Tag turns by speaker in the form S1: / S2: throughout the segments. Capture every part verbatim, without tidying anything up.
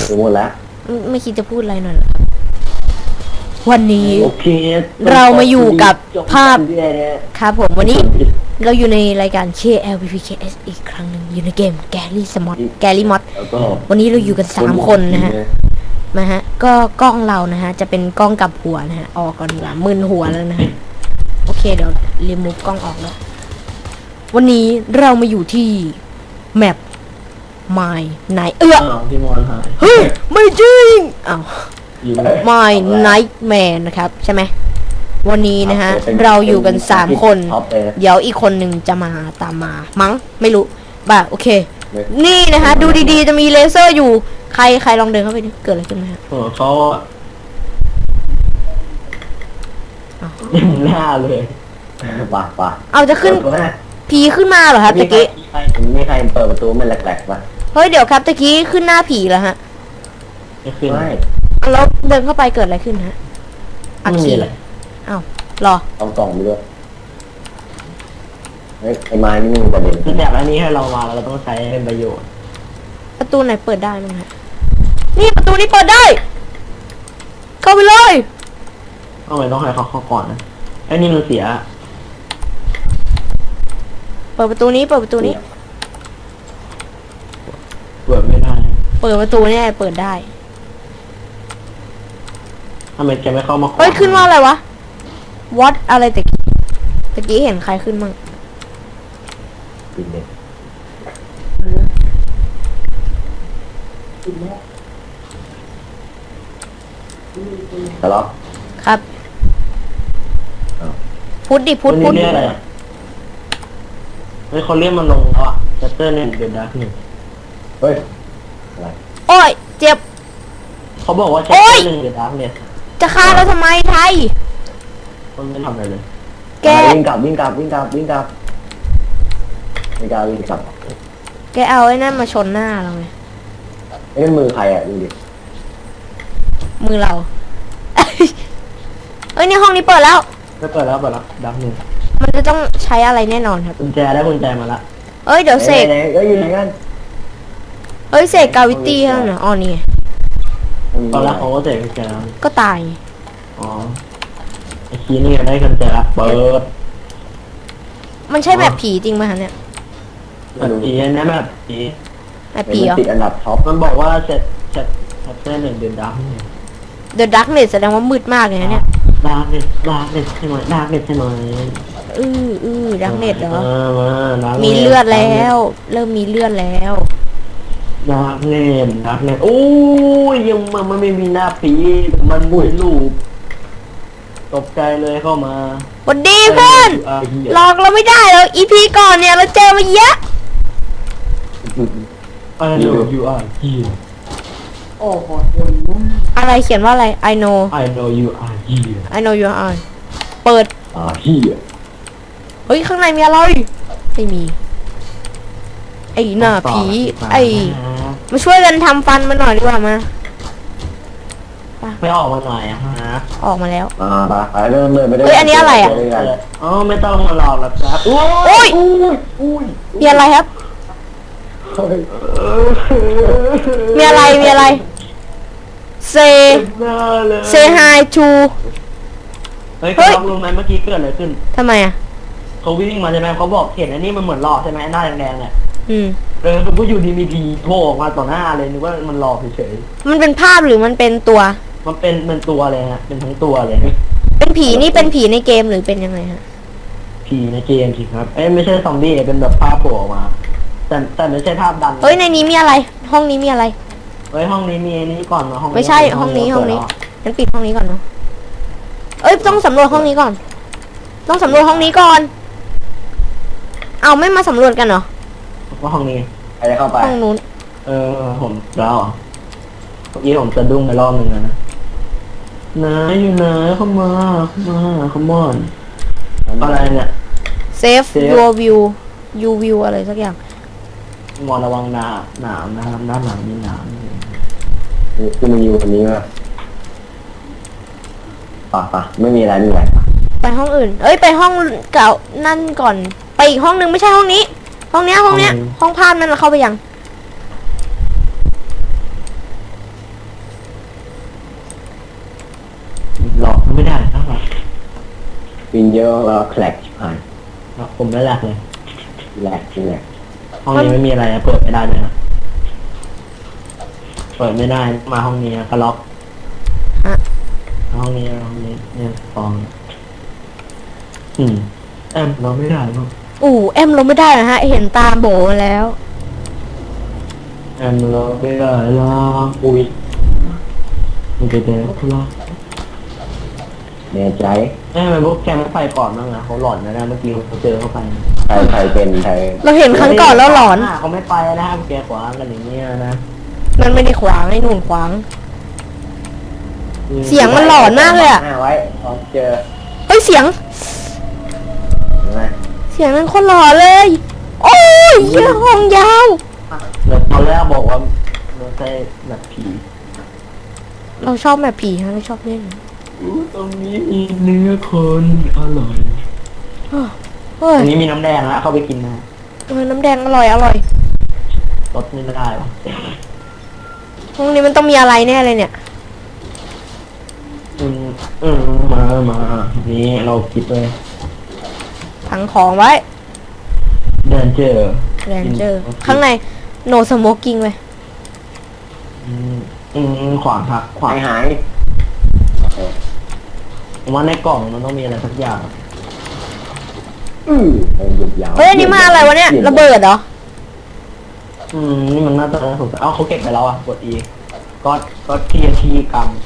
S1: หมดแล้ว
S2: ไม่คิดจะพูดอะไรหน่อยเหรอวันนี้
S1: โอเค
S2: เรามาอยู่กับภาพครับผมวันนี้เราอยู่ในรายการ เค แอล พี พี เค เอส อีกครั้งหนึ่งอยู่ในเกมแกลี่สมอตแกลี่มอดวันนี้เราอยู่กันสามคนนะฮะนะฮะก็กล้องเรานะฮะจะเป็นกล้องกับหัวนะฮะออกก่อนดีกว่ามึนหัวแล้วนะฮะโอเคเดี๋ยวรีมูฟกล้องออกแล้ววันนี้เรามาอยู่ที่แมปไมล์ไหนเอื้อ
S1: พี่มอนหาย
S2: เฮ้ยไม่จริงอ้าวไมล์ไนท์แมนนะครับใช่ไหมวันนี้นะฮะเราอยู่กันสามคนเดี๋ยวอีกคนหนึ่งจะมาตามมามั้งไม่รู้บ่าโอเคนี่นะฮะดูดีๆจะมีเลเซอร์อยู่ใครใครลองเดินเข้าไปดิเกิดอะไรขึ้นไหมฮะ
S1: โอ้เขาหน้าเลยป่ะป่ะ
S2: เอาจะขึ้นผีขึ้นมาเหรอครับตะกี้
S1: มีใครเปิดประตูมันแหลกๆป่ะ
S2: เฮ้ยเดี๋ยวครับตะกี้ขึ้นหน้าผีแล้วฮะ
S1: ไม่ขึ้นไม่
S2: แล้วเดินเข้าไปเกิดอะไรขึ้นฮะอักขีเลยอ้าวรอ
S1: เอากล่องไปด้วยเฮ้ยไอ้ไม้นี่มีประเด็นคือแบบอันนี้ให้เรามาเราต้องใช้เป็นประโยชน์
S2: ประตูไหนเปิดได้มั้งฮะนี่ประตูนี้เปิดได้เข้าไปเลย
S1: ทำไมต้องให้เขาเข้าก่อนนะไอ้นี่มันเสีย
S2: เปิดประตูนี้เปิดประตูนี้
S1: เปิดไม่ได้
S2: เปิดประตูนี่เปิดได้
S1: ทำไมแกไม่เข้ามา
S2: เฮ้ยขึ้นว่าอะไรวะวัดอะไรตะกี้ตะกี้เห็นใครขึ้นมั่ง
S1: ทะเลาะ
S2: ครับพุทธดิพุทธพุทธ
S1: เฮ้ยเขาเรียกมันลงแล้วอ่ะชัตเตอร์เนี่ยเดือดดาร์กหนึ่งเฮ้ยอะไร
S2: โอ้ยเจ็บ
S1: เขาบอกว่าชัตเตอร์หนึ่งเดือดดาร์กเนี่ย
S2: จะฆ่าเราทำไมไทย
S1: มันไม่ทำอะไรเลย
S2: แก
S1: วิ่งกลับวิ่งกลับวิ่งกลับวิ่งกลับวิ่งกลับวิ่งกลับ
S2: แกเอาไอ้นั่นมาชนหน้าเราไง
S1: ไอ้มือใครอ่ะดูดิ
S2: มือเราเอ้ยนี่ห้องนี้เปิดแล้ว
S1: ไม่เปิดแล้วเปิดแล้วดับหนึ่ง
S2: มันจะต้องใช้อะไรแน่นอนครับ
S1: กุญแจได้กุญแจมาละ
S2: เอ้ยเดี๋ยวเสก
S1: เอ้ยอยู่ไหนกัน
S2: เอ้ยเสกกาวิตี้ให้หน่อยอ๋อนี่
S1: ตอนแรกเขาก็เสกกุญแจแล้ว
S2: ก็ตาย
S1: อ๋อไอ้คีนี่ได้กุญแจละเปิด
S2: มันใช่แบบผีจริงไหมฮะเนี่ย
S1: แบบผีนะแบบผี
S2: แบบผีเหรอ
S1: ติดอันดับท็อปมันบอกว่าเสร็จเสร็จเสร็จเส้นหนึ่งเดือนดับ
S2: เดอะดักเน็ตแสดงว่ามืดมากเลยนะเนี่ย
S1: ดาร์กเน็ตดาร์กเน็ตใช่ไหมดาร์กเน็ตใช่ไหม
S2: อืออือดักเน็ตเหรอมีเลือดแล้วเริ่มมีเลือดแล้ว
S1: ดาร์กเน็ตดาร์กเน็ตโอ้ยยังมันมันไม่มีหน้าผีมันบุยลูกตกใจเลยเข้ามา
S2: วันดีเพื่อนหลอกเราไม่ได้แล้วอีพีก่อนเนี่ยเราเจอมาเยอะ
S1: I know you are here
S2: โอ้โหอะไรเขียนว่าอะไร I know
S1: I know you are here
S2: I know you are เปิด
S1: are here
S2: เฮ้ยข้างในมีอะไรไม่มีไอ้หน้าผีไอ้มาช่วยกันทำฟันมาหน่อยดีกว่ามา
S1: ไม่ออกมาหน่อยอะฮะ
S2: ออกมาแล้ว
S1: อ่าไปเริ่มเลยไม่ได้
S2: เฮ้ยอันนี้อะไรอ่ะ
S1: อ๋อไม่ต้องมาหลอกแล้วครับโ
S2: อ้ยมีอะไรครับมีอะไรมีอะไรเซเซไฮทู
S1: เฮ้ยเขารู้ไหมเมื่อกี้เกิดอะไรขึ้น
S2: ทำไมอ่ะ
S1: เขาวิ่งมาใช่ไหมเขาบอกเห็นอันนี้มันเหมือนหลอกใช่ไหมหน้าแดงๆเนี่ย
S2: อืม
S1: เออก็อยู่ดีมีผีโผล่ออกมาต่อหน้าเลยนึกว่ามันหลอกเฉย
S2: ๆมันเป็นภาพหรือมันเป็นตัว
S1: มันเป็นเป็นตัวเลยฮะเป็นทั้งตัวเลย
S2: เป็นผีนี่เป็นผีในเกมหรือเป็นยังไงฮะ
S1: ผีในเกมสิครับเอ้ยไม่ใช่ซอมบี้เป็นแบบภาพโผล่ออกมาแต่แต่ไม่ใช่ภาพดัน
S2: เฮ้ยในนี้มีอะไรห้องนี้มีอะไร
S1: เฮ้ยห้องนี้มีนี้ก่อนเนาะห้อง
S2: ไม่ใช่ห้องนี้ห้องนี้งั้นปิดห้องนี้ก่อนเนาะเอ้ยต้องสำรวจห้องนี้ก่อนต้องสำรวจห้องนี้ก่อนเอาไม่มาสำรวจกันเหรอ
S1: ว่าห้องนี้ใครจะเข้าไป
S2: ห้องนู้น
S1: เออผมแล้วเมื่อกี้ผมสะดุ้งไปรอบหนึ่งนะไหนอยู่ไหนเข้ามาเข้ามาเข้ามอนอะไรเนี่ย
S2: save your view you view อะไรสักอย่าง
S1: มอนระวังหนาหนามนะครับด้านหลังมีหนามคือมันอยู่ตรงนี้ว่ะป่ะป่ะไม่มีอะไรไม่มีอะไร
S2: ไปห้องอื่นเอ้ยไปห้องเก่านั่นก่อนไปอีกห้องนึงไม่ใช่ห้องนี้ห้องเนี้ยห้องเนี้ยห้องภาพนั่นเราเข้าไปยัง
S1: ไม่ได้ครับ
S3: วินเยอะแล้วแคลกชิบหาย
S1: ผมไม่แหลกเลย
S3: แหลกจริงแหลก
S1: ห้องนี้ไม่มีอะไรนะเปิดไม่ได้เลยนะเปิดไม่ได้มาห้องนี้ก็ล็อก
S2: ฮะ
S1: ห้องนี้ห้องนี้เนี่ยฟองอืมแอมเราไม่ได้มั้ง
S2: อู่แอมลงไม่ได้นะฮะ เห็นตาโบมาแล้ว
S1: แอมเราไม่ได้หรอกอุ้ยมันจะเดินทุลัก
S3: แน่ใจ
S1: เอ้ยมันพวกแกไม่ไปก่อนบ้างนะเขาหลอนนะนะเมื่อกี้เขาเจอเข้าไป
S3: ใครใครเป็นใคร
S2: เราเห็นครั้งก่อนแล้วหลอน
S1: เขาไม่ไปนะครับแกขวางกันอย่างเงี้ยนะ
S2: มันไม่ได้ขวางไอ้นู่นขวาง เสียงมันหลอนมากเลยอะ
S3: หน้าไว้พอเจอ
S2: เฮ้ยเสียง
S3: เห็นไหม
S2: เสียงนั้นคนหล่อเลย โอ้ยเหี้ยห้องยาว
S1: เดี๋ยวตอนแรกบอกว่าเราใช่แบบผี
S2: เราชอบแบบผีฮะเราชอบเล่น
S1: อู้ตรงนี้มีเนื้อคนอร่อย
S2: เฮ้
S1: ต
S2: ย
S1: รงนี้มีน้ำแดงนะเข้าไปกินนะ
S2: เออน้ำแดงอร่อยอร่อย
S1: รสนี่ไม่ได้ปะ
S2: ห้องนี้มันต้องมีอะไรแน่เลยเนี่ย
S1: อืมอืมมามานี่เราคิดเลย
S2: ถังของไว้
S1: เดินเจอ
S2: แรนเจอร์ข้างในโนสโมกกิ้งไว้
S1: อืมอืมขวางหักขวา
S3: หาง ยหาย
S1: ผมว่าในกล่องมันต้องมีอะไรสักอย่าง
S3: อือมันหยุดยาว
S2: เฮ้ยอันนี้มาอะไรวะเนี่ยระเบิดเหรอ
S1: อืมนี่มันน่าจะน่าสงสัยเอ้าเขาเก็บไปแล้วอ่ะกด E ก็ก็ทีทีกรรม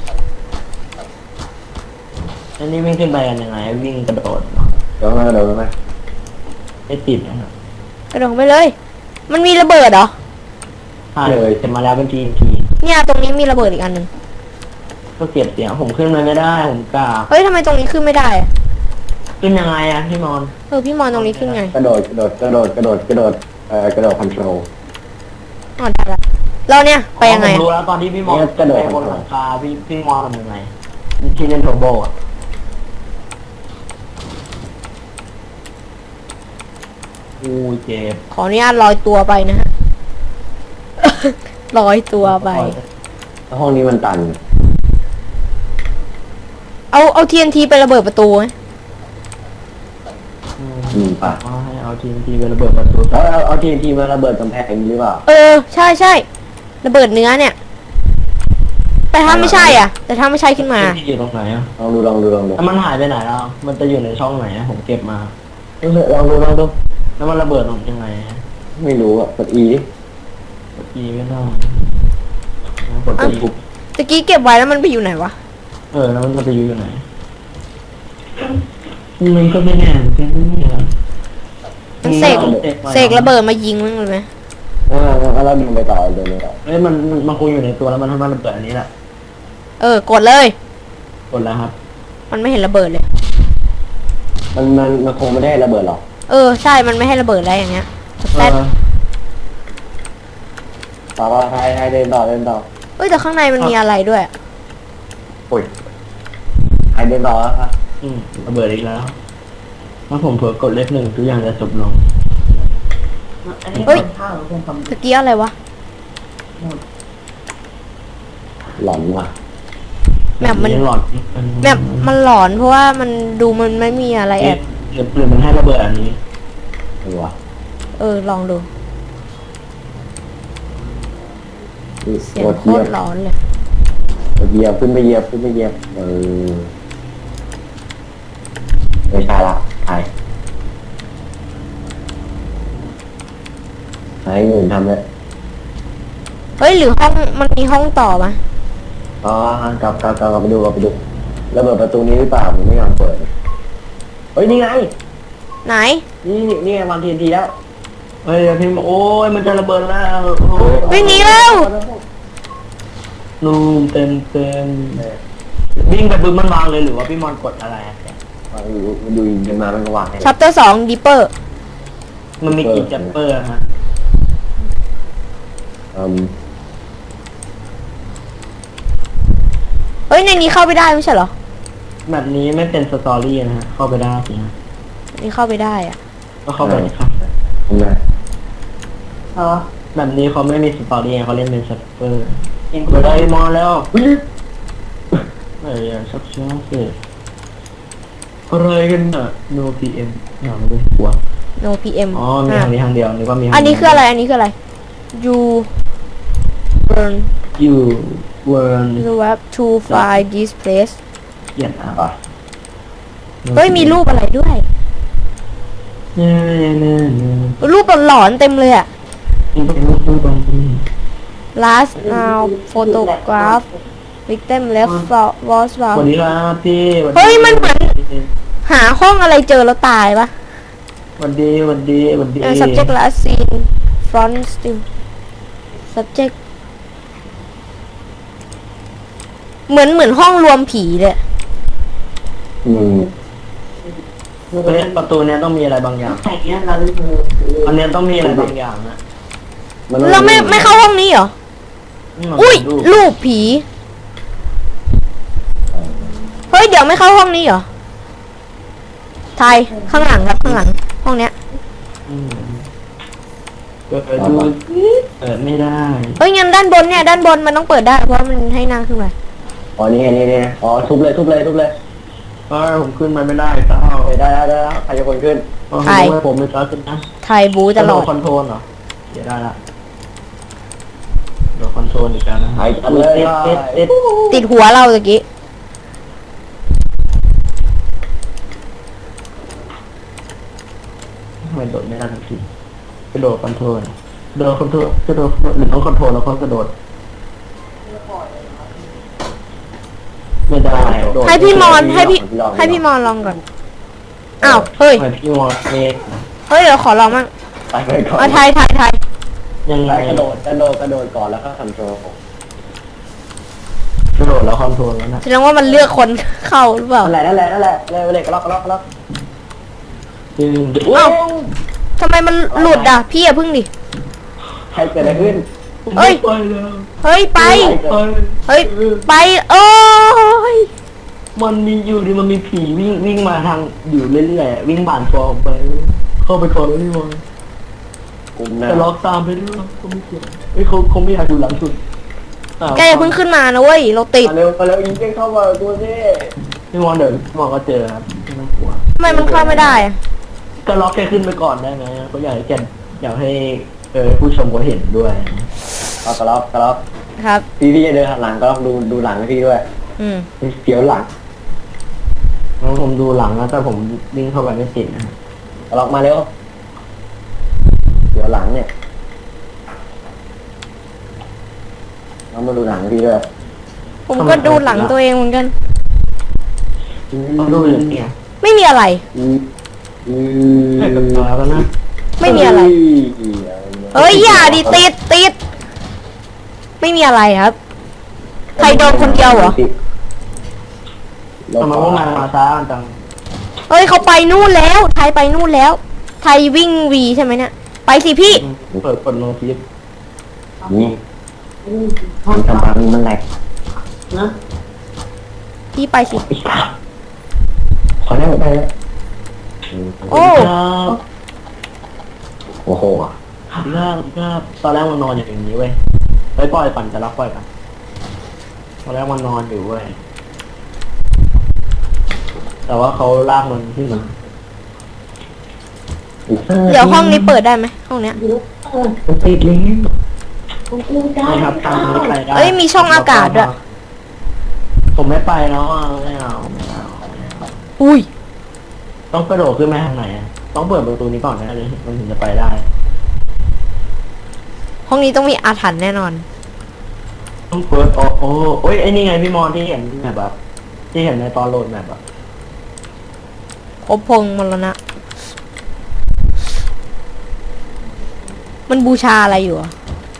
S1: อันนี้วิ่งขึ้นไปกันยังไงวิ่งกระโดดเหรอ
S3: เดี๋ยวมาเดี๋ยวมา
S1: ไม่ติดนะครับ
S2: กระโดดไปเลย มันมีระเบิดเหรอ
S1: ใช่เลยเสร็จมาแล้วเป็นทีที
S2: เนี่ยตรงนี้มีระเบิดอีกอันหนึ่ง
S1: ก็เก็บเสียงผมขึ้นมาไม่ได้ผมกล้า
S2: เฮ้ยทำไมตรงนี้ขึ้นไม่ได้อะ
S1: ขึ้นยังไงอะพี่มอน
S2: เออพี่มอนตรงนี้ขึ้นไง
S3: กระโดดกระโดดกระโดดกระโดดกระโดดเอ่อกระโดดคอนโทรล
S2: อ๋อได้ละเราเนี่ยไปยังไง
S1: ผม
S2: อะ
S1: รู้แล้วตอนที่พี่มอน
S3: เนี่ยกระโดด
S1: ไปบนหลังคาพี่พี่มอนทำยังไงที่เล่นโทโบอะอู้เจ็บ
S2: ขออนุญาตลอยตัวไปนะฮะ ลอยตัวไป
S3: แล้วห้องนี้มันตัน
S2: เอาเอา ที เอ็น ที ไประเบิดประตูไหม
S1: อืม
S3: อืมป่ะ
S1: เอาให้เอาทีมทีไประเบิดประตู
S3: แล้วเอาเอาทีทีมาระเบิดกำแพงหรือเปล่า
S2: เออใช่ใช่ระเบิดเนื้อเนี่ย แต่ถ้าไม่ใช่อ่ะ แต่ถ้าไม่ใช่ขึ้นมา
S1: ที่อยู่ตรงไหนอะ
S3: ลองดูลองดูลองดู
S1: แล้วมันหายไปไหนแล้ว มันจะอยู่ในช่องไหนอะผมเก็บมา
S3: ลองดูลองดู
S1: แล้วมันระเบิดตรงยังไงอะ
S3: ไม่รู้อ่ะกด E
S1: กดอีไม่ได้กดอีปุ๊บ
S2: ตะกี้เก็บไว้แล้วมันไปอยู่ไหนวะ
S1: เออแล้วมันจะไปอยู่ไหนมันก็ไม่แน่เหมือนกันนี่นะ
S2: มันเสกเสกระเบิดมายิงมันเลยไหม
S3: อ่าแล้วเราดึงไปต่อเดี๋ยวนี้ต่อ
S1: เอ้ยมันมันมันคงอยู่ในตัวแล้วมันทำให้ระเบิดอันนี้แหละ
S2: เออกดเลย
S1: กดแล้วครับ
S2: มันไม่เห็นระเบิดเลย
S3: มันมันมันคงไม่ได้ระเบิดหรอก
S2: เออใช่มันไม่ให้ระเบิดอะไรอย่างเงี้ยแต่
S1: เออ
S3: ต่อไปไทยไทยเดินต่อเดินต่อ
S2: เอ้ยแต่ข้างในมันมีอะไรด้วยอะ
S3: โอ้ยไทยเดินต่อแล้วครับ
S1: อืมระเบิดอีกแล้วถ้าผมเผลอกดเลขหนึ่งทุกอย่างจะจบลง
S2: เฮ้ยตะกี้อะไรวะ
S3: หลอนว่ะ
S2: แมปมัน
S1: หลอน
S2: แมปมันหลอนเพราะว่ามันดูมันไม่มีอะไรแอบ
S1: หรือหรือมันให้ระเบิดอันนี้
S3: เออว่ะ
S2: เออลองดู เสียง
S3: กด
S2: โค
S3: เหยีย
S2: ต
S3: บ
S2: รร้อนเลย
S3: กดเหยียบขึ้นไปเหยียบขึ้นไปเหยียบเออไม่ใช่ละไทยไทยอื่นทำเลย
S2: เฮ้ยหรือห้องมันมีห้องต่อมะ
S3: อ๋อกลับกลับกลับกลับไปดูกลับไปดูระเบิดประตูนี้หรือเปล่าผมไม่ยอมเปิดเฮ้ยนี่ไง
S2: ไหน
S3: นี่นี่นี่ไงวันทีนทีแล้ว
S1: เฮ้ยพี่โอ้ยมันจะระเบิดแล้วโอ้ย
S2: วิ่งหนีแล้ว
S1: นูมเต็มเต็มวิ่งไปบึ้มมันวางเลยหรือว่าพี่มอนกดอะไรอะ
S3: มันอยู่มันอยู่กันมามันก็วางให้
S2: ชัปเตอร์สองดิปเปอร์
S1: มันมีกี่แจปเปอร์ฮะ
S3: อืม
S2: เฮ้ยในนี้เข้าไปได้ไม่ใช่เหรอ
S1: แบบนี้ไม่เป็นสตอรี่นะฮะเข้าไปได้สิฮะ
S2: นี่เข้าไปได้อะ
S1: ก็เข้าไปเลยครับ
S3: ทำไม
S1: อ๋อแบบนี้เขาไม่มีสตอรี่เขาเล่นเป็นแจปเปอร์อินไปได้มอนแล้ว
S3: อุ้ย
S1: เฮ้ยชักช้าสิอะไรกันน่ะ no พี เอ็ม อย่างไม่รู้หัว
S2: no พี เอ็ม
S1: อ๋อมีทางนี้ทางเดียวนึกว่ามีทาง
S2: อันนี้คืออะไรอันนี้คืออะไร you burn
S1: อยู่เวิร์น
S2: you have to find this place
S1: เขียนอ่ะ
S3: ป่ะ
S2: เฮ้ยมีรูปอะไรด้วย
S1: เนี่ยเนี่ยเนี่ยเนี่ย
S2: รูปหลอนๆเต็มเลยอะ
S1: นี่เป็นรูปรูปตรงนี้
S2: last now photograph victim left was
S1: สวัส
S2: found
S1: ดีครับพี่สวัสดี
S2: เฮ้ยมันเหมือน หาห้องอะไรเจอแล้วตายปะ
S1: สวัสดีสวัสดีสวัสดี
S2: เออ subject last seen front still subject เหมือนเหมือนห้องรวมผีเลย
S3: อืม
S1: เฮ้ยประตูเนี้ยต้องมีอะไรบางอย่างอันเนี้ยต้องมีอะไรบางอย่างนะ
S3: นต้อง
S2: เราไม่ไม่เข้าห้องนี้เหรอ
S1: นี่มัน
S2: อุ้ย
S1: รูป
S2: รูปผี เฮ้ย เดี๋ยวไม่เข้าห้องนี้เหรอ ไทย ข้างหลังครับ ข้างหลัง ห้องเนี้ย
S1: อืมเปิดดูเปิดไม่ได้
S2: เฮ้ยงั้นด้านบนเนี่ย ด้านบนมันต้องเปิดได้ เพราะมันให้นั่งขึ้นมา
S3: อ๋อนี่ไงนี่นี่อ๋อทุบเลยทุบเลยทุบเลย
S1: เฮ้ยผมขึ้นมาไม่ได้เต้า
S3: เฮ้ยได้แล้วได้แล้วใครจะคนขึ้น
S1: โอ้โห
S2: ใคร
S1: ผมไม่กล้าขึ้นนะ
S2: ไทยบูตลอด
S1: คอนโทรลเหรอเดี๋ยวได้ละเดี๋ยวคอนโทรลอีกแล้วนะ
S3: ไปกันเลย
S1: ติดติดติด
S2: ติดหัวเราตะกี้
S1: ทำไมโดดไม่ได้ทันทีกระโดดคอนโทรลกระโดดคอนโทรลกระโดดหรือต้องคอนโทรลแล้วก็กระโดดไม่ได้โดด
S2: ให้พี่มอนให้พี่ให้พี่มอนลองก่อน อ้าว เฮ้ย
S1: ทำไมพี่มอนเอง
S2: เฮ้ย เดี๋ยวขอลองมั่ง
S3: ไปไปก่อน
S2: เอาไทยไทยไทย
S1: ยังไง
S3: ไปกระโดดกระโดดกระโดดก่อนแล้วก็คอนโทรล
S1: กระโดดแล้วคอนโทรลแล้วนะ
S2: แสดงว่ามันเลือกคนเข้าหรือเปล่า
S3: นั่นแหละนั่นแหละนั่นแหละเลยเลยกระล็อกกระล็อกกระล็อก
S1: ดึงดึง
S2: เอ้า ทำไมมันหลุดอ่ะ พี่อย่าพึ่งดิ
S3: ใครเกิดอะไรขึ้น
S2: เอ้ย
S1: ไปแล้ว
S2: เฮ้ย ไป
S1: ไป
S2: เฮ้ย ไป โอ้ย
S1: มันมีอยู่ดิมันมีผีวิ่งวิ่งมาทางอยู่เรื่อยๆอะวิ่งผ่านฟอร์มไป เข้าไปก่อนแล้วนี่มัน
S3: กลุ่มหน้า
S1: จะล็อกตามไปด้วยก็ไม่เกี่ยวเฮ้ยเขาเขาไม่อยากอยู่หลังสุดอ้าว
S2: แกอย่าเพิ่งขึ้นมานะเว้ย เราติด
S3: มาเร็วมาเร็วยิงเก้งเข้ามาตัวนี้
S1: พี่มอนเดี๋ยวพี่มอนก็เจอครับไม่ต้องกลัว
S2: ทำไมมันเข้าไม่ได้อะ
S1: ก็ล็อกแกขึ้นไปก่อนได้ไหมเขาอยากให้แกอยากให้เออผู้ชมเขาเห็นด้วย
S3: เอากระล็อกกระล็อก
S2: ครับ
S3: พี่พี่จะเดินหันหลังกระล็อกดูดูหลังให้พี่ด้วย
S2: อืม
S3: เสียวหลัง
S1: แล้วผมดูหลังนะแต่ผมวิ่งเข้าไปไม่ติดนะ
S3: กระล็อกมาเร็วเสียวหลังเนี่ยเรามาดูหลังให้พี่ด้วย
S2: ผมก็ดูหลังตัวเองเหมือนกัน
S1: ต้องดูอย่างเนี้ย
S2: ไม่มีอะไร
S3: อืมอืม
S1: ให้กับตาแล้วนะ
S2: ไม่มีอะไร เฮ้ย อย่าดิติดติด ไม่มีอะไรครับ ใครโดนคนเดียวเหรอ
S1: ทำไมพวกนายมาช้ากันจัง
S2: เฮ้ยเขาไปนู่นแล้ว ไทยไปนู่นแล้ว ไทยวิ่งวีใช่ไหมเนี่ย ไปสิพี่
S1: เปิดกดโน้ตฟิส
S3: นี่มันทำพังมันแหลก
S1: นะ
S2: พี่ไปสิ
S3: ขอได้ไหมได้แล้ว
S2: โอ้
S1: ครับ
S3: โอ้โห
S1: ครับครับตอนแรกมันนอนอยู่อย่างนี้เว้ยไปปล่อยปั่นจะรับปล่อยกันตอนแรกมันนอนอยู่เว้ยแต่ว่าเขาลากมันขึ้นมา
S2: เดี๋ยวห้องนี้เปิดได้ไหมห้องเนี้ย
S1: มันติดลิงก์ไม่ครับทางนี้ไปได้
S2: เอ้ยมีช่องอากาศด้วย
S1: ผมไม่ไปแล้วอ่ะไม่เอาไม่เอาไม่เอา
S2: อุ้ย
S1: ต้องกระโดดขึ้นไปทางไหนอะต้องเปิดประตูนี้ก่อนนะเลยมันถึงจะไปได้
S2: ห้องนี้ต้องมีอาถรรพ์แน่นอน
S1: ต้องเปิดโอ้โอ้โอ้ยไอ้นี่ไงพี่มอนที่เห็นแบบแบบที่เห็นในตอนโหลดแบบแบบ
S2: ครบพงษ์มรณะ มันบูชาอะไรอยู่อะ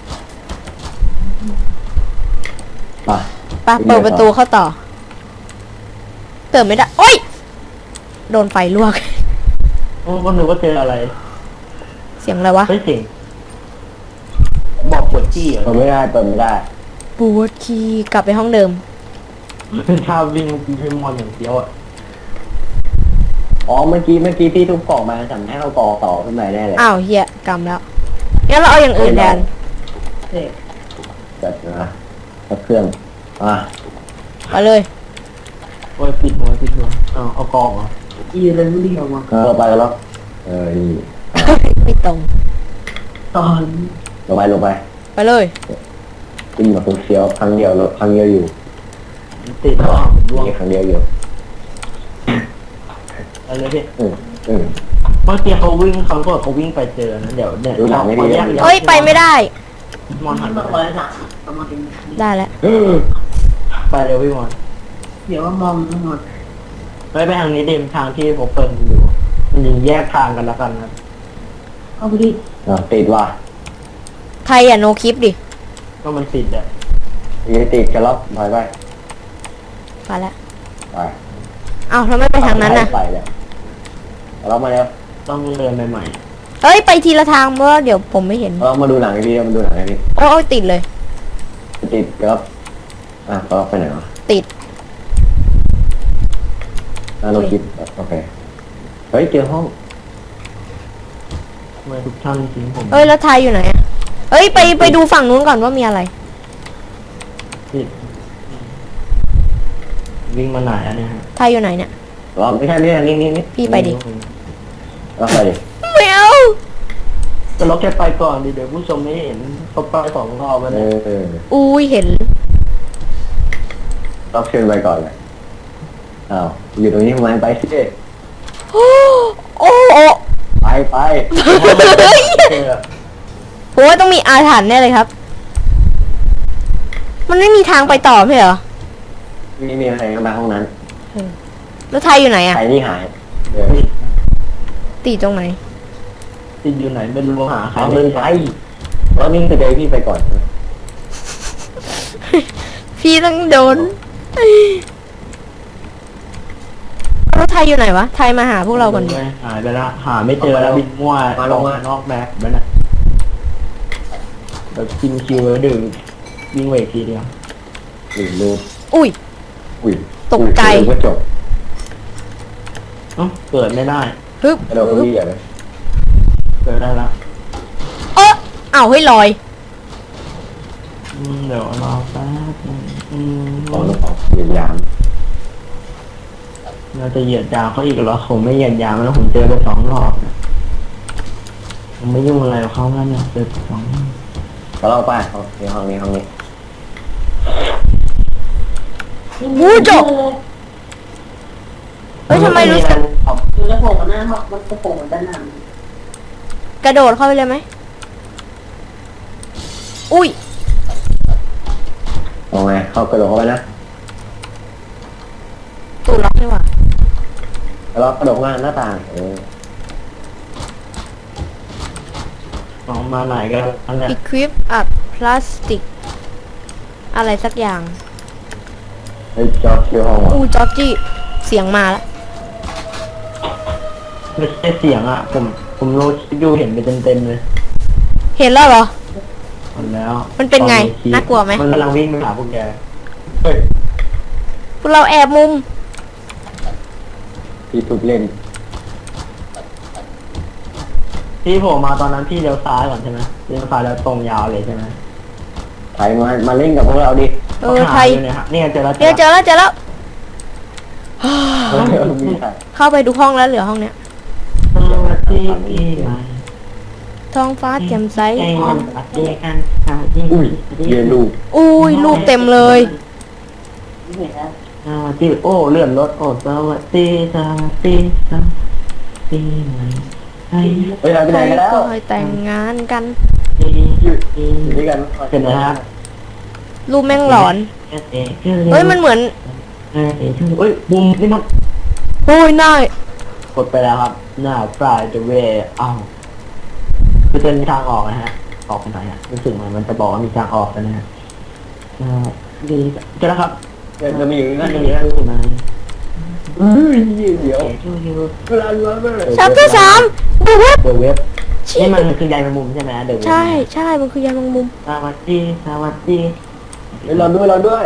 S3: ไป
S2: ไปเปิดประตูเข้าต่อ เปิดไม่ได้ โอ้ย โดนไฟลวก
S1: โอ้ก็นึกว่าเจออะไร
S2: เสียงอะไรวะ
S1: ไม่สิงบอกปวดจี้เหร
S3: เปิ
S1: อ
S3: ดไม่ได้เปิดไม่ได้
S2: ปวดขี้กลับไปห้องเดิม
S1: เป็นท่าวิ่งพี่มอนอย่างเดียวอ่ะ
S3: อ๋อเมื่อกี้เมื่อกี้พี่ทุบกล่องมาสั่งให้เราต่อต่อขึ้นมาได้เลย
S2: อ้าวเฮียกำแล้วงั้นเราเอาอย่างอื่นแทน
S3: แบบนะกับเครื่องอ่ะ
S2: ไปเลย
S1: โอ้ยปิดหัวปิดหัวเอาเอากองเหรออีเลยไม่ดีออกมา
S3: เออไปกันแล้วเออนี่
S2: ไม่ตรง
S1: ตอน
S3: ลงไปลงไป
S2: ไปเลย
S3: ขึ้นมาเฟี้ยวครั้งเดียวครั้งเดียวอยู่
S1: ติดรอบร่วง
S3: นี่ครั้งเดียวอยู่
S1: อะไรพี่
S3: อืมอืม
S1: เมื่อกี้เขาวิ่งเขาก็เขาวิ่งไปเจอนะเดี๋ยวเนี่ย
S3: ดูหนังไม่ดี
S1: ขอแยก
S2: เอ้ยไปไม่ได้
S1: มอนหันไป
S2: ได้แล้ว
S1: ไปเร็วพี่มอนเดี๋ยวว่ามองทั้งหมดไปไปทางนี้เดมทางที่ผมเปิดอยู่มันยังแยกทางกันแล้วกันนะเอาไปดิ
S3: อ่ะติดว่ะ
S2: ใครอ่ะโนคลิปดิ
S1: ก็มันติดอ่ะ
S3: ยังติดกันแล้วถอยไป
S2: ไปแล้ว
S3: ไป
S2: อ้าวแล้วไม่ไปทางนั้นน่ะ
S3: ไปเลยเรามาแล้ว
S1: ต้องเดินใหม่
S2: เอ้ยไปทีละทางเพราะว่าเดี๋ยวผมไม่เห็น
S3: เรามาดูหนังไอพี่มาดูหนังไอพี่
S2: โอ้ยติดเลย
S3: ติดครับอ่ะเราไปไหนวะ
S2: ติด
S3: อ่ะเราคิดโอเคเฮ้ยเจอห้อง
S1: ๆทำไมทุกท่านทิ้งผม
S2: เอ้ยแล้วไทยอยู่ไหนอะเอ้ยไปไปดูฝั่งนู้นก่อนว่ามีอะไร
S1: ติดวิ่งมาไหนอันเนี้ยฮะ
S2: ไทยอยู่ไหนเนี่ย
S3: เราไม่ใช่นี่นี่นี่นี่
S2: พี่ไปดิ
S3: เราไปดิ
S2: ไม่เอา
S1: แต่เราแค่ไปก่อนดิเดี๋ยวผู้ชมไม่เห็นเขาไปสองรอบแล้ว
S3: เอ
S1: เนี่ย
S3: อ
S2: อุ้ยเห็น
S3: เราเชิญไปก่อนเลยอ้าวอยู่ตรงนี้ทำไมไปสิ
S2: โอ้โอ้โอ้
S3: ไปไป
S1: เจอ
S2: ผมว่าต้องมีอาถรรพ์แน่เลยครับ มันไม่มีทางไปต่อไม่เหรอ
S3: มีมีอะไรกันมาห้องนั้น
S2: แล้วไทยอยู่ไหนอะ
S3: ใครนี่หายเออ
S1: ติด
S2: ติดตรงไหน
S1: ติดอยู่ไหนไม่รู้หาใคร
S3: เอา
S1: ไม่
S3: เดิน
S1: เจ
S3: ไป
S1: อ
S3: แล้วนิ่งไปเจอพี่ไปก่อน
S2: พี่ต้องโดนแล้วไทยอยู่ไหนวะ ไทยมาหาพวกเราก่อนดิ
S1: หายไปแล้วหาไม่เจอแล้วบินมั่วออกมานอกแม็กไปนะแบบกินคิวแล้วดื่มวิ่งเวกทีเดียว
S3: หรือรูป
S2: อุ้ย
S3: อุ้ย
S2: ตกใจ
S3: ก็จบ
S1: เอ้าเกิดไม่ได้
S2: ฮึบ
S3: กระโดดก็พี่อ่ะเลย
S1: เกิดได้ละ
S2: เอออ้าวเฮ้ยลอย
S1: อืมเดี๋ยวรอแป๊บนึงอืม
S3: ของลูกของเหยียดยาม
S1: เราจะเหยียดยาวเขาอีกเหรอผมไม่เหยียดยาวแล้วผมเจอไปสองรอบเนี่ยผมไม่ยุ่งอะไรกับเขาแล้วเนี่ยเจอไปสองรอบ
S3: แล้วเราไปห้องนี้ห้องนี้ห้องนี้
S2: วู้จบเฮ้ยทำไมรู้สึก
S1: มันจะโผล่หน้ามันจะโผล่ด้านหน้าก
S2: ระโดดเข้าไปเลยไหม อุ้ย
S3: เอาไงเข้ากระโดดเข้าไปนะ
S2: ตูดล็อกนี่หว่า
S3: แล้วเรากระโดดมาหน้าต่างเออ
S1: ออกมาไหนกันอันเนี้ย
S2: equip a plastic อะไรสักอย่าง
S3: เฮ้ยจอคิวห้องว่ะ
S2: อู้จอร์จี้เสียงมาแล้ว
S1: ไม่ใช่เสียงอ่ะ ผมผมรู้ดูเห็นไปเต็มๆเลย
S2: เห็นแล้วเหรอ
S1: หมดแล้ว
S2: มันเป็นไง
S1: ตอคลิป
S2: น่ากลัวไหม
S1: มันกำลังวิ่งไปหาพวกแกเฮ้ย
S2: พวกเราแอบมุม
S3: พี่ทุบเล่น
S1: พี่โผล่มาตอนนั้นพี่เลี้ยวซ้ายก่อนใช่ไหมเลี้ยวซ้ายแล้วตรงยาวเลยใช่ไหม
S3: ไทยมามาเล่นกับพวกเราดิ
S2: เออไทย
S1: หาเนี่ยฮะเนี่ยเจอแล้ว
S2: เดี๋ยวเจอแล้วเจอแล้ว
S3: เออมีไทย
S2: เข้าไปทุกห้องแล้วเหลือห้องเนี้ย
S1: สวัสดีปีใหม่
S2: ท้องฟ้าแจ่มใส
S1: เอ้ยสวัสดีกันสวัสดี
S3: อุ้ยเรียนลูก
S2: อุ้ยรูปเต็มเลย
S1: สวัสดีโอ้เลื่อนรถโอ้สวัสดีสวัสดีสวัสดีใหม่ให้
S3: เฮ้ยเราไป
S2: ใค
S3: ไห
S2: ร
S3: นกันแล้ว
S2: ก็ให้แต่งงานกัน
S1: ดี
S3: อยู่
S1: ดี
S3: อยู่ด้วยกัน
S1: เป็นไงฮะ
S2: รูปแม่งหลอน
S1: เอ้ย
S2: เฮ้ยมันเหมือน
S1: เอ้ยเอ้ยบุมนี่มัน
S2: โอ้ยน่าก
S1: ดไปแล้วครับ หน้าปลายจะเวอ้าวคือจะมีทางออกนะฮะ ออกไปไหนฮะรู้สึกเหมือนมันจะบอกว่ามีทางออกกันนะฮะอ่าดีเจอแล้วครับ
S3: เดี๋ยวจะมีอยู่นั่น
S1: นี่
S3: นี่
S1: คือไหม
S3: เฮ้ยเดี๋ยว
S1: ชื่อชื่อ
S3: เวลาเวลาเวลา
S2: ชัปเตอร์สามดูเว็บ
S1: เดอะเว็บนี่มันคือใยแมงมุมใช่ไหมเดอะเว็บ
S2: ใช่ใช่มันคือยาแมงมุม
S1: สวัสดีสวัสดี
S3: เฮ้ยเราด้วยเราด้วย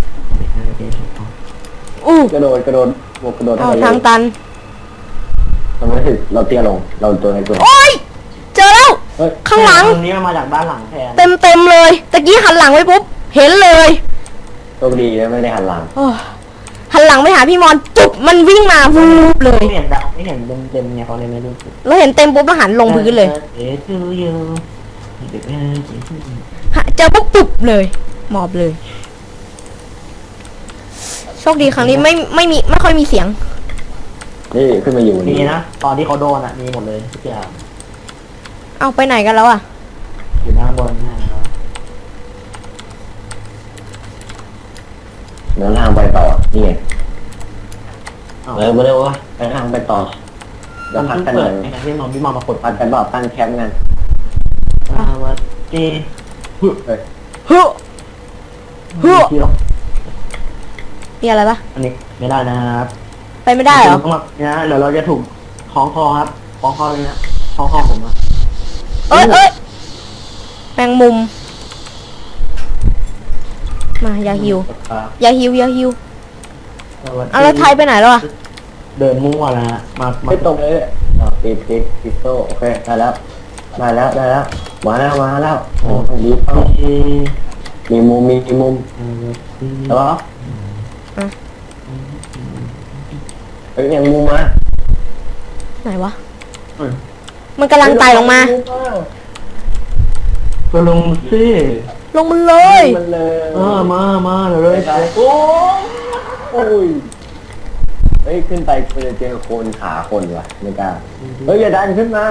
S2: อู้
S3: กระโดดกระโดดบวกกระโดด
S2: อ้าว
S3: ให้
S2: ทางตัน
S3: ทำไมถึงเราเตี้ยลง เราตัวในตัว
S2: โอ้ยเจอแล้ว
S3: เฮ้ย
S2: ข้างหลัง
S1: ตรงนี้มันมาจากด้านหลังแทน
S2: เต็มเต็มๆเลยตะกี้หันหลังไว้ปุ๊บเห็นเลย
S3: โชคดีนะไม่ได้หันหลัง
S2: โอ้ยหหันหลังไปหาพี่มอนจุบมันวิ่งมาวูบเลย
S1: ไม่เห็นแบบไม่เห็นเต็มเต็มเนี่ยเขาเลยไม่รู้สึก
S2: เราเห็นเต็มปุ๊บแล้วหันลงพื้นเลย
S1: เอ๊ะชื่อยูเด็กเอ้ย
S2: ฮะเจอปุ๊บปุ๊บเลยหมอบเลย โชคดีครั้งนี้ไม่ไม่มีไม่ค่อยมีเสียง
S3: นี่ขึ้นมาอยู่
S1: มีนะตอนที่เขาโดนอ่ะมีหมดเลยทุกอย่าง
S2: เอาไปไหนกันแล้วอ่ะ
S1: อยู่ด้านบนนะ
S3: เดินทางไปต่อนี่ไง
S1: อ้าว
S3: เออมาเร็ววะไปทางไปต่อเดี๋ยว
S1: มัน
S3: พัก
S1: เพิ่ง
S3: กันห
S1: เปิ
S3: น่
S1: ด
S3: อย
S1: ไอ้ที่มองพี่มองมากด
S3: พักกันบอกตั้งแคมป์กัน
S1: สวัสดี
S3: เฮ้ย
S2: ฮึ ฮึ
S1: ที่หรอก
S2: มีอะไรปะ
S1: อันนี้ไม่ได้นะครับ
S2: ไปไม่ได้เหรอ
S1: ต้องแบบนะเดี๋ยวเราจะถูกคล้องคอครับคล้องคอเลยนะคล้องคอผมอะ
S2: เอ้ยเอ้ยแมงมุม มาอย่าหิว
S1: ครับ
S2: อย่าหิวอย่าหิว
S1: สวัสดี
S2: เอาแล้วไทยไปไหนแล้วอ่ะ
S1: เดินมั่วแล้วฮะมามา
S3: ไม่ตรงเลยอ่ะติดติดติดโซ่โอเคได้แล้วได้แล้วได้แล้วมาแล้วมาแล้วโอ้ดีเป้า
S1: เอ๊ะ
S3: มีมุมมีมุม
S1: เอ่อ
S3: แล้วก็เฮ้ยยังมุมมา
S2: ไหนวะ
S1: อืม
S2: มันกำลังไต่ลงมา
S1: ก็ลงสิ
S2: ลงมันเลย
S3: มันเลย
S1: เออมามาเดี๋ยวเลย
S3: โอ้โอ้ยเฮ้ยขึ้นไปเจอเจอโคนขาคนว่ะไม่กล้าเฮ้ยอย่าดันขึ้นมา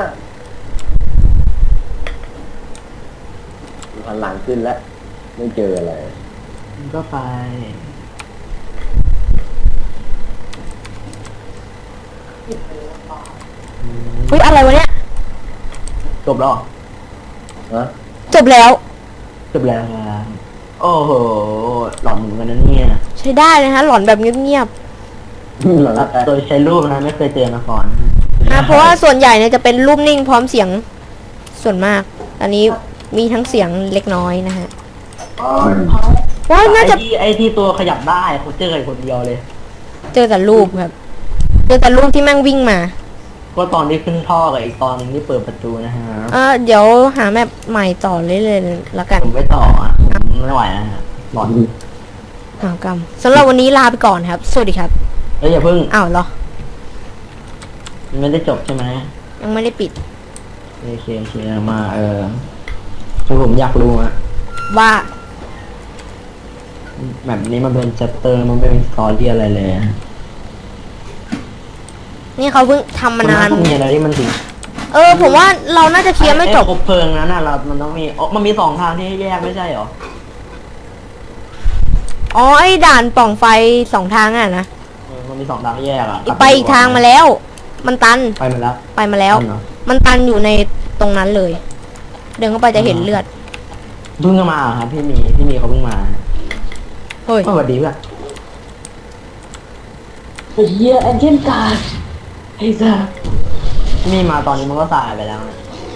S3: หันหลังขึ้นแล้วไม่เจออะไร
S1: มันก็ไป
S2: เฮ้ยอะไรวะเนี่ย
S1: จบแล้วเหรอ
S3: ฮะ
S2: จบแล้ว
S1: จบแล้วครับโอ้โหหลอนเหมือนกันนะเนี่ย
S2: ใช้ได้นะฮะ หลอนแบบเงียบ
S3: หลัง
S1: โดยใช้รูปนะไม่เคยเจอมาก่อน
S2: ๆนะเพราะว่าส่วนใหญ่เนี่ยจะเป็นรูปนิ่งพร้อมเสียงส่วนมาก อันนี้มีทั้งเสียงเล็กน้อยนะฮะว่าน่าจะ
S1: ไอ้ที่ไอ้ที่ตัวขยับได้เขาเจอกันคนเดียวเลย
S2: เจอแต่รูปครับ เจอแต่รูปที่แม่งวิ่งมา
S1: ก็ตอนที่ขึ้นท่อกับอีกตอนหนึงที่เปิดประตูนะฮะ
S2: เออเดี๋ยวหาแมปใหม่ต่อเรื่อยๆละกัน
S1: ผมไปต่ออ่ะผมไม่ไหวนะฮะหลอน
S2: อ้าวกรรมสำหรับวันนี้ลาไปก่อนครับ สวัสดีครับ
S1: เอ้ยอย่าเพิ่ง
S2: อ้าวเหรอ
S1: มันไม่ได้จบใช่ไหม
S2: ยังไม่ได้ปิด
S1: โอเคโอเคมาเออคือผมอยากรู้อะ
S2: ว่า
S1: แบบนี้มันเป็นชัปเตอร์มันไม่เป็นสตอรี่อะไรเลยอะ
S2: นี่เขาเพิ่งทำมานาน
S1: มัต้องมีอะไรที่มันถึง
S2: เออ ผมว่าเราน่าจะเคลียร์ไม่จบ
S1: อ้คบเพลิงนั้นน่ะเรา มันต้องมีอ๋อมันมีสองทางที่ให้แยกไม่ใช่เหรอ
S2: อ๋อไอ้ด่านปล่องไฟสองทางอ่ะนะ
S1: เออมันมีสองทางให้แยกอ่ะ
S2: อีกไปอีกทางมาแล้ว มันตัน
S1: ไปมาแล้ว
S2: ไปมาแล้ว
S1: ตันเหรอ
S2: มันตันอยู่ในตรงนั้นเลย เดินเข้าไปจะเห็นเลือด
S1: เพิ่งมาเหรอครับพี่มีพี่มีเขาเพิ่งมา
S2: เฮ้ย
S1: สวัสดีเพื่อน
S3: เฮียแอนเจนการ์ด
S1: ไอ้ซ่าพี่มีมาตอนนี้มันก็สายไปแล้วนะ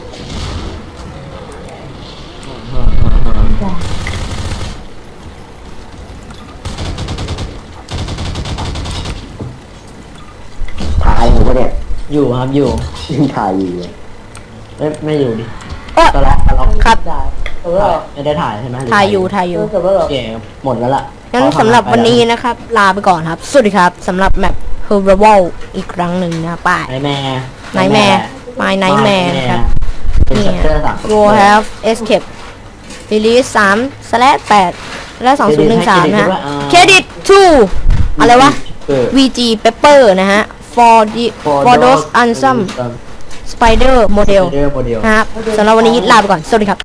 S3: ถ่ายอยู่ปะเนี่ย
S1: อยู่ครับอยู่
S3: ยังถ่ายอยู่เลย
S1: ไม่ไม่อยู่ดิ
S2: เอ้อ
S1: ตะล็อกตะล็อก
S2: ครับ
S1: เออไม่ได้ถ่ายใช่ไหมหรือ
S2: ถ่ายอยู่ถ่ายอยู่
S1: โอเคหมดแล้วล่ะ
S2: งั้นสำหรับวันนี้นะครับ ลาไปก่อนครับ สวัสดีครับสำหรับแมป Horrible อีกครั้งหนึ่งนะป้าย
S1: ไนแม่
S2: Nightmare My Nightmare ครับ
S1: เป็น
S2: นี่
S1: ชัปเตอร์สาม
S2: Go Have Escape Release สามสแลชแปดและสองศูนย์หนึ่งสามนะฮะ Credit to อะไรวะ วี จี Pepper นะฮะ for the for those awesome Spider Model
S1: เดอร์โมเดล
S2: นะครับสำหรับวันนี้ลาไปก่อน สวัสดีครับ